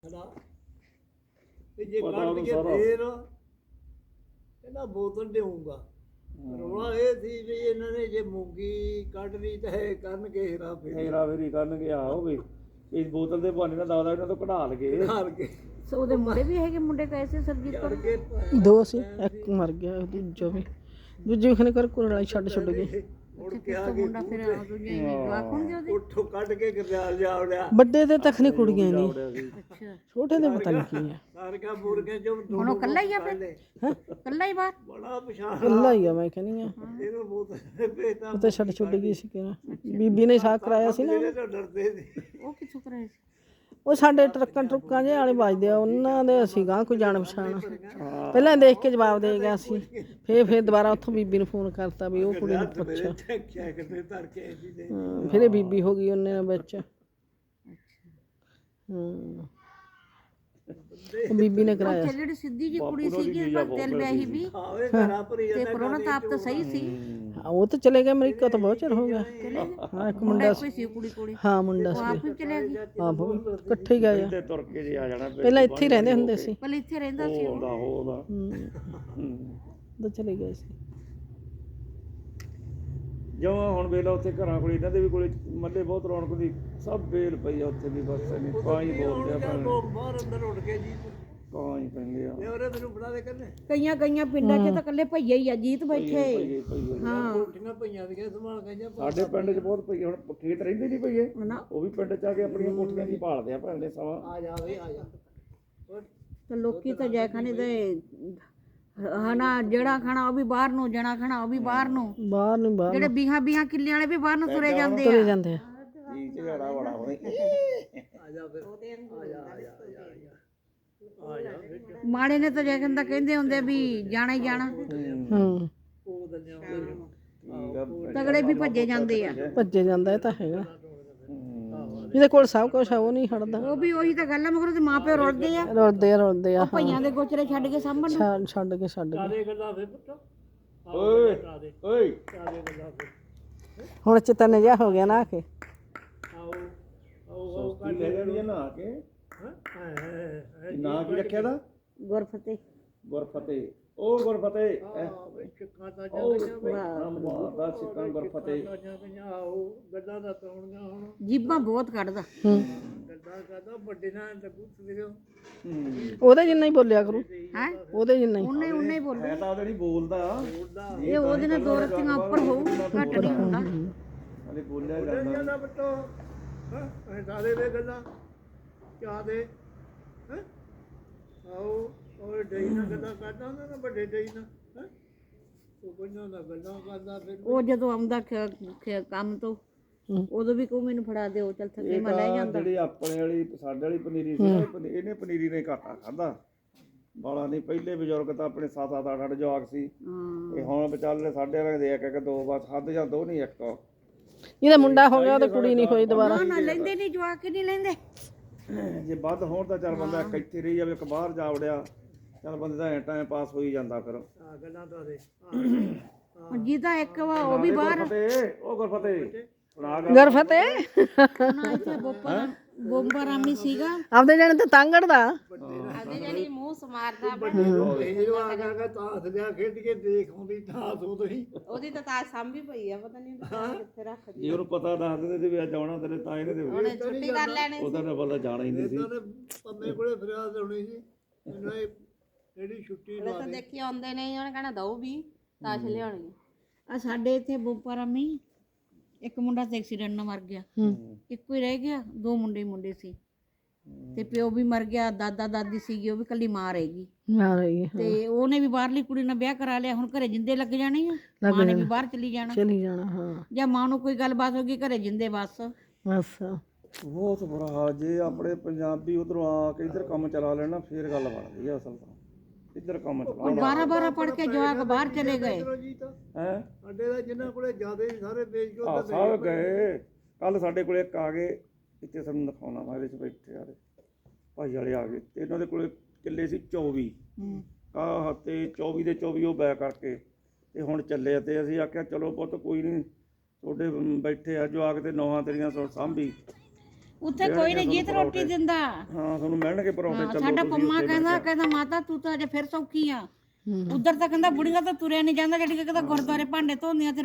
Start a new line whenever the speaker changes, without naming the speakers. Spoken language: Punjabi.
ਜੇ ਕੱਢ ਕੇ ਫੇਰ ਕਹਿੰਦਾ ਬੋਤਲ ਦੇਊਂਗਾ। ਰੌਲਾ ਇਹ ਸੀ ਵੀ ਇਹਨਾਂ ਨੇ ਜੇ ਮੂੰਗੀ ਕੱਢ ਲਈ ਤਾਂ ਕਰਨਗੇ ਹੇਰਾਫੇਰੀ
ਕਰਨਗੇ। ਆਹੋ ਵੀ ਇਸ ਬੋਤਲ ਦੇ ਬਹਾਨੇ ਨਾਲ ਦਾਦਾ ਇਹਨਾਂ ਤੋਂ ਕਢਾ ਲਗੇ।
ਉਹਦੇ ਮੁੰਡੇ ਵੀ ਹੈਗੇ, ਮੁੰਡੇ ਕੈਸੇ ਸਰਜੀਤ ਕੋਲ
ਦੋ ਸੀ, ਇੱਕ ਮਰ ਗਿਆ, ਦੂਜਾ ਵੀ ਦੂਜੇ ਖਨੇ ਕਰ ਕੁਰਲਾ ਛੱਡ ਗਏ।
ਮੁੜ ਕੇ ਆ ਕੇ
ਮੁੰਡਾ ਫਿਰ ਦੂਜੇ ਜਵਾਕ ਹੋਣਗੇ ਉਹਦੇ।
ਉੱਠੋਂ ਕੱਢ ਕੇ ਗਰਦਿਆਲ ਜਾ ਉੜਿਆ।
ਵੱਡੇ ਦੇ ਤੱਕ ਨਹੀਂ ਕੁੜੀਆਂ ਨਹੀਂ,
ਅੱਛਾ
ਛੋਟੇ ਦੇ ਪਤਾ ਨਹੀਂ ਕੀ ਹੈ।
ਸਾਰਕਾ ਮੁਰਗੇ ਜੋ
ਹੁਣ ਉਹ ਕੱਲਾ ਹੀ ਆ ਫਿਰ, ਕੱਲਾ ਹੀ ਬਾਹਰ
ਬੜਾ ਪਛਾਣ
ਕੱਲਾ ਹੀ ਆ। ਮੈਂ ਕਹਿੰਦੀ ਆ
ਇਹਨੂੰ ਬਹੁਤ ਬੇਤਾ
ਉਹ ਤਾਂ ਛੱਡ ਗਈ ਸੀ ਕਿ ਬੀਬੀ ਨੇ ਸਾਕ ਕਰਾਇਆ ਸੀ ਨਾ।
ਡਰਦੇ ਸੀ
ਉਹ ਕਿੱਥੋਂ ਕਰਾਇਆ ਸੀ?
ਉਹ ਸਾਡੇ ਟਰੱਕਾਂ ਜਿਹੇ ਵਾਲੇ ਵੱਜਦੇ ਆ, ਉਹਨਾਂ ਦੇ ਅਸੀਂ ਗਾਂ ਕੋਈ ਜਾਣ ਪਛਾਣ ਪਹਿਲਾਂ ਦੇਖ ਕੇ ਜਵਾਬ ਦੇ ਗਿਆ ਸੀ। ਫੇਰ ਦੁਬਾਰਾ ਉੱਥੋਂ ਬੀਬੀ ਨੂੰ ਫੋਨ ਕਰਤਾ ਵੀ ਉਹ ਕੁੜੀ ਨੂੰ ਪੁੱਛ। ਫਿਰ ਇਹ ਬੀਬੀ ਹੋ ਗਈ ਉਹਨੇ ਵਿੱਚ। ਉਹ ਬੀਬੀ ਨੇ ਕਰਾਇਆ।
ਜਿਹੜੀ ਸਿੱਧੀ ਜੀ ਕੁੜੀ ਸੀਗੀ ਤੇਲ ਵਿਆਹੀ ਵੀ ਤੇ ਕਰੋਨਾ ਤਾਪ ਤਾਂ ਸਹੀ ਸੀ।
ਉਹ ਤਾਂ ਚਲੇ ਗਏ ਅਮਰੀਕਾ, ਤਾਂ ਬਹੁਤ ਚਿਰ ਹੋ ਗਿਆ। ਹਾਂ ਇੱਕ ਮੁੰਡਾ
ਸੀ ਕੁੜੀ
ਹਾਂ ਮੁੰਡਾ ਸੀ।
ਆਪ ਵੀ ਚਲੇ ਗਈ।
ਹਾਂ ਇਕੱਠੇ ਹੀ ਗਏ ਆ।
ਤੁਰ ਕੇ ਜੇ ਆ ਜਾਣਾ
ਪਹਿਲਾਂ ਇੱਥੇ ਹੀ ਰਹਿੰਦੇ ਹੁੰਦੇ ਸੀ।
ਪਹਿਲਾਂ ਇੱਥੇ ਰਹਿੰਦਾ ਸੀ ਉਹ।
ਤਾਂ ਚਲੇ ਗਏ ਸੀ।
ਜਿਵੇਂ ਹੁਣ ਵੇਲਾ ਉੱਥੇ ਘਰਾਂ ਕੋਲ ਇਹਨਾਂ ਦੇ ਵੀ ਕੋਲੇ ਮੱਲੇ ਬਹੁਤ ਰੌਣਕ ਹੁੰਦੀ, ਸਭ ਵੇਲ ਪਈ ਆ ਉੱਥੇ ਵੀ। ਬਸ ਨਹੀਂ ਪਾਈ ਬੋਲਦੇ ਆ
ਲੋਕ ਬਾਹਰ ਅੰਦਰ ਉੱਡ ਕੇ ਜੀ
ਕਾਂ ਹੀ ਪੈਂਦੇ ਆ।
ਉਹਰੇ ਮੈਨੂੰ ਬਣਾ ਦੇ ਕਰਨੇ
ਕਈਆਂ ਪਿੰਡਾਂ 'ਚ ਤਾਂ ਇਕੱਲੇ ਭਈਏ ਹੀ ਆ ਜੀਤ ਬੈਠੇ।
ਹਾਂ ਕੋਠੀਆਂ ਪਈਆਂ ਦੀਆਂ ਸੰਭਾਲ ਕੇ
ਸਾਡੇ ਪਿੰਡ 'ਚ ਬਹੁਤ ਪਈ। ਹੁਣ ਖੇਤ ਰਹਿੰਦੇ ਨਹੀਂ ਪਈਏ, ਉਹ ਵੀ ਪਿੰਡ 'ਚ ਆ ਕੇ ਆਪਣੀਆਂ ਕੋਠੀਆਂ ਦੀ ਭਾਲਦੇ ਆ ਭੈਣੇ ਸਵਾ।
ਆ ਜਾਵੇ ਆ ਜਾ
ਤੇ ਲੋਕੀ ਤਾਂ ਜੈਖਾਨੇ ਦੇ ਹਨਾ, ਜਿਹੜਾ ਖਾਣਾ ਉਹ ਵੀ ਬਾਹਰ ਨੂੰ, ਜਣਾ ਖਾਣਾ ਉਹ ਵੀ ਬਾਹਰ ਨੂੰ।
ਬਾਹਰ
ਜਿਹੜੇ ਬੀਹਾਂ ਕਿੱਲਿਆਂ ਵਾਲੇ ਵੀ ਬਾਹਰ ਨੂੰ ਤੁਰੇ ਜਾਂਦੇ
ਤੁਰੇ
ਆ।
ਜਾਂਦੇ ਆ।
ਜੀ ਝਗੜਾ ਬੜਾ ਹੋਏ।
ਆ ਜਾ ਫਿਰ ਆ ਜਾ
ਮਾੜੇ ਨੇ ਤਾਂ ਜੈਖਾਨ ਕਹਿੰਦੇ ਹੁੰਦੇ ਵੀ ਜਾਣਾ ਹੀ ਜਾਣਾ।
ਉਹ ਦੰਨਿਆ
ਤਗੜੇ ਵੀ ਭੱਜੇ ਜਾਂਦੇ ਆ।
ਭੱਜੇ ਜਾਂਦਾ। ਇਹ ਤਾਂ ਹੈਗਾ, ਜਿਹਦੇ ਕੋਲ ਸਭ ਕੁਛ ਆ ਉਹ ਨਹੀਂ ਹਟਦਾ।
ਉਹ ਵੀ ਉਹੀ ਤਾਂ ਗੱਲ ਆ, ਮਗਰ ਉਹਦੇ ਮਾਪੇ ਰੁਲਦੇ ਆ।
ਰੁਲਦੇ ਆ।
ਭਈਆਂ ਦੇ ਗੋਚਰੇ ਛੱਡ ਕੇ ਸਾਂਭਣ ਨੂੰ।
ਛੱਡ ਕੇ
ਕਾਦੇ ਗੱਲਾਂ ਫਿਰ ਪੁੱਤ
ਓਏ ਓਏ
ਕਾਦੇ ਗੱਲਾਂ ਫਿਰ
ਹੁਣ ਚਿਤਨ ਜਿਹਾ ਹੋ ਗਿਆ ਨਾ ਕਿ
ਆਓ ਆਓ
ਕੀ ਲੈ ਜਾਣੀ ਆ ਨਹਾ ਕੇ। ਨਾਂ ਕੀ ਰੱਖਿਆ ਦਾ?
ਗੁਰਫਤਿਹ।
ਗੁਰਫਤਿਹ। ਉਹ ਗੁਰਫਤਿਹ
ਚਿੱਕਾਂ ਤਾਂ
ਦਾ ਸਿੱਕਾਂ ਗੁਰਫਤਿਹ।
ਆਓ ਗੱਲਾਂ ਦਾ ਤੋਣੀਆਂ ਹੁਣ
ਜੀਬਾਂ ਬਹੁਤ ਕੱਢਦਾ।
ਗੱਲਾਂ ਕਰਦਾ ਵੱਡੇ ਨਾਲ ਲੱਗੂ ਸਵੇਰੇ
ਉਹਦੇ ਜਿੰਨਾ ਹੀ ਬੋਲਿਆ ਕਰੂ।
ਹੈ
ਉਹਦੇ ਜਿੰਨਾ ਹੀ।
ਉਹਨੇ ਹੀ ਬੋਲੂ।
ਮੈਂ ਤਾਂ ਉਹਦੇ ਨਹੀਂ ਬੋਲਦਾ।
ਇਹ ਉਹਦੇ ਨਾਲ ਦੋ ਰੱਤੀਆਂ ਉੱਪਰ ਹੋਊ, ਘੱਟ ਨਹੀਂ ਹੁੰਦਾ।
ਹਲੇ ਬੋਲਿਆ ਜਾਂਦਾ।
ਜਾਂਦਾ ਬੱਤੋ ਹਾਂ ਸਾਰੇ ਵੇ ਗੱਲਾਂ ਕਿਆ ਦੇ ਹੈ ਆਓ ਉਹ ਡਈ ਨਾਲ ਗੱਲਾਂ ਕਰਦਾ ਹੁੰਦਾ ਨਾ, ਵੱਡੇ ਡਈ ਨਾਲ ਹੈ ਉਹ ਬੰਨਾਂ ਨਾਲ ਗੱਲਾਂ ਕਰਦਾ। ਫਿਰ
ਉਹ ਜਦੋਂ ਆਉਂਦਾ ਕੰਮ ਤੋਂ ਉਦੋਂ ਵੀ ਕਹੂ ਮੈਨੂੰ ਫੜਾ ਦਿਓ, ਚੱਲ ਥੱਕੇ ਮੈਂ ਲੈ ਜਾਂਦਾ।
ਜਿਹੜੀ ਆਪਣੇ ਵਾਲੀ ਸਾਡੇ ਵਾਲੀ ਪਨੀਰੀ ਸੀ ਨਾ, ਇਹਨੇ ਪਨੀਰੀ ਨੇ ਘਾਟਾ ਖਾਦਾ ਬਾਲਾ ਨਹੀਂ। ਪਹਿਲੇ ਬਜ਼ੁਰਗ ਤਾਂ ਆਪਣੇ 7-7 8-8 ਜਵਾਕ ਸੀ। ਇਹ ਹੁਣ ਵਿਚਾਲੇ ਸਾਡੇ ਵਾਲੇ ਦੇ ਇੱਕ ਦੋ ਬਸ ਹੱਦ ਜਾਂ ਦੋ ਨਹੀਂ ਇੱਕ।
ਇਹਦਾ ਮੁੰਡਾ ਹੋ ਗਿਆ, ਉਹਦੀ ਕੁੜੀ ਨਹੀਂ ਹੋਈ ਦੁਬਾਰਾ।
ਨਾ ਲੈਂਦੇ ਨਹੀਂ, ਜਵਾਕ ਨਹੀਂ ਲੈਂਦੇ।
ਜੇ ਵੱਧ ਹੋਣ ਤਾਂ ਚੱਲ ਬੰਦਾ ਇੱਕ ਇੱਥੇ ਰਹੀ ਜਾਵੇ, ਇੱਕ ਬਾਹਰ ਜਾ ਵੜਿਆ, ਚੱਲ ਬੰਦੇ ਦਾ ਟਾਈਮ ਪਾਸ ਹੋਈ ਜਾਂਦਾ। ਫਿਰ
ਗੱਲਾਂ ਤਾਂ ਦੇ
ਜਿਹਦਾ ਇੱਕ ਵਾ ਉਹ ਵੀ ਬਾਹਰ।
ਉਹ ਗੁਰਫਤਿਹ
ਗੁਰਫਤਿਹ
ਨਾ ਇੱਥੇ ਬੋਂਬਾ ਰਾਮੀ ਸੀਗਾ।
ਆਪਦੇ ਜਾਣੇ ਤੇ ਤੰਗੜਦਾ।
ਆਦੇ ਜਿਹੜੀ ਮੂੰਹ ਸਮਾਰਦਾ
ਹੀਰੋ ਆ ਗਿਆ ਤਾਂ ਹੱਸਦਿਆਂ ਖੇਡ ਕੇ ਦੇਖ ਆਉਂਦੀ ਤਾਂ ਉਦੋਂ ਹੀ
ਉਹਦੀ ਤਾਂ ਤਾਜ ਸਾਂਭੀ ਪਈ ਆ, ਪਤਾ ਨਹੀਂ ਕਿੱਥੇ ਰੱਖਦੀ।
ਜੇ ਉਹਨੂੰ ਪਤਾ ਦੱਸ ਦਿੰਦੇ ਤੇ ਵੀ ਅੱਜ ਆਉਣਾ ਤੇਰੇ ਤਾਂ ਇਹਨੇ ਤੇ
ਉਹਨੇ ਛੁੱਟੀ ਕਰ ਲੈਣੀ।
ਉਹਦਾ ਨਾ ਬੰਦਾ ਜਾਣਾ ਹੀ ਨਹੀਂ ਸੀ।
ਪੰਮੇ ਕੋਲੇ ਫਰਿਆਦ ਹੋਣੀ ਸੀ ਇਹਨਾਂ ਇਹ ਜਿਹੜੀ ਛੁੱਟੀ
ਉਹ ਤਾਂ ਦੇਖੀ ਆਉਂਦੇ ਨੇ, ਉਹਨੇ ਕਹਿਣਾ ਦਊ ਵੀ ਤਾਸ਼ ਲਿਆਉਣੀ ਆ। ਸਾਡੇ ਇੱਥੇ ਬੋਂਬਾ ਰਾਮੀ ਇੱਕ ਮੁੰਡਾ ਤੇ ਐਕਸੀਡੈਂਟ ਨਾਲ ਮਰ ਗਿਆ। ਇੱਕੋ ਹੀ ਰਹਿ ਗਿਆ, ਦੋ ਮੁੰਡੇ ਸੀ ਤੇ ਪਿਓ ਵੀ ਮਰ ਗਿਆ, ਦਾਦਾ ਦਾਦੀ ਸੀਗੀ, ਉਹ ਵੀ ਕੱਲੀ ਮਾਂ ਰਹੇਗੀ। ਤੇ ਉਹਨੇ ਵੀ ਬਾਹਰਲੀ ਕੁੜੀ ਨਾਲ ਵਿਆਹ ਕਰਾ ਲਿਆ। ਹੁਣ ਘਰੇ ਜਿੰਦੇ ਲੱਗ ਜਾਣੇ ਆ, ਮਾਂ ਨੇ ਵੀ ਬਾਹਰ ਚਲੀ ਜਾਣਾ।
ਹਾਂ।
ਜਾਂ ਮਾਂ ਨੂੰ ਕੋਈ ਗੱਲਬਾਤ ਹੋ ਗਈ ਘਰੇ ਜਿੰਦੇ ਬਸ।
ਬਹੁਤ ਬੁਰਾ ਹਾਲ। ਜੇ ਆਪਣੇ ਪੰਜਾਬੀ ਉਧਰੋਂ ਆ ਕੇ ਇੱਧਰ ਕੰਮ ਚਲਾ ਲੈਣਾ ਫੇਰ ਗੱਲ ਬਣਦੀ ਆ। ਅਸਲ ਤਾਂ ਇੱਧਰ ਕੰਮ ਚਲਾਉਣਾ।
12 ਪੜ ਕੇ ਜਵਾਕ ਬਾਹਰ ਚਲੇ ਗਏ।
ਹੈ
ਸਾਡੇ ਦਾ ਜਿਨ੍ਹਾਂ ਕੋਲੇ ਜ਼ਿਆਦਾ ਸਾਰੇ ਵੇਚ ਕੇ
ਸਭ ਗਏ। ਕੱਲ ਸਾਡੇ ਕੋਲੇ ਇੱਕ ਆ ਗਏ, ਇੱਥੇ ਸਾਨੂੰ ਦਿਖਾਉਣਾ ਵਾ, ਇਹਦੇ 'ਚ ਬੈਠੇ ਆ ਭਾਈ ਵਾਲੇ ਆ ਗਏ ਤੇ ਇਹਨਾਂ ਦੇ ਕੋਲੇ ਕਿੱਲੇ ਸੀ 24 ਤੇ 24 ਦੇ 24 ਉਹ ਬੈ ਕਰਕੇ ਤੇ ਹੁਣ ਚੱਲੇ। ਤੇ ਅਸੀਂ ਆਖਿਆ ਚਲੋ ਪੁੱਤ ਕੋਈ ਨਹੀਂ, ਤੁਹਾਡੇ ਬੈਠੇ ਆ ਜਵਾਕ ਤੇ ਨੌਹਾਂ ਤੇਰੀਆਂ ਸਾਂਭੀ
ਉੱਥੇ ਕੋਈ ਨਹੀਂ ਜੀਤ ਰੋਟੀ ਦਿੰਦਾ।
ਹਾਂ ਤੁਹਾਨੂੰ ਮਿਲਣਗੇ ਪਰੌਂਠੇ। ਚਲੋ
ਸਾਡਾ
ਤੁਸੀਂ
ਪੰਮਾ
ਉੱਥੇ
ਕਹਿੰਦਾ ਮਾਤਾ ਤੂੰ ਤਾਂ ਅਜੇ ਫਿਰ ਸੌਖੀ ਆ। ਉਧਰ ਤਾਂ ਕਹਿੰਦਾ ਬੁੜੀਆਂ ਤਾਂ ਤੁਰਿਆ ਨਹੀਂ ਜਾਂਦਾ, ਜਿਹੜੀ ਕਹਿੰਦਾ ਗੁਰਦੁਆਰੇ ਭਾਂਡੇ ਧੋਂਦੀਆਂ ਤੇ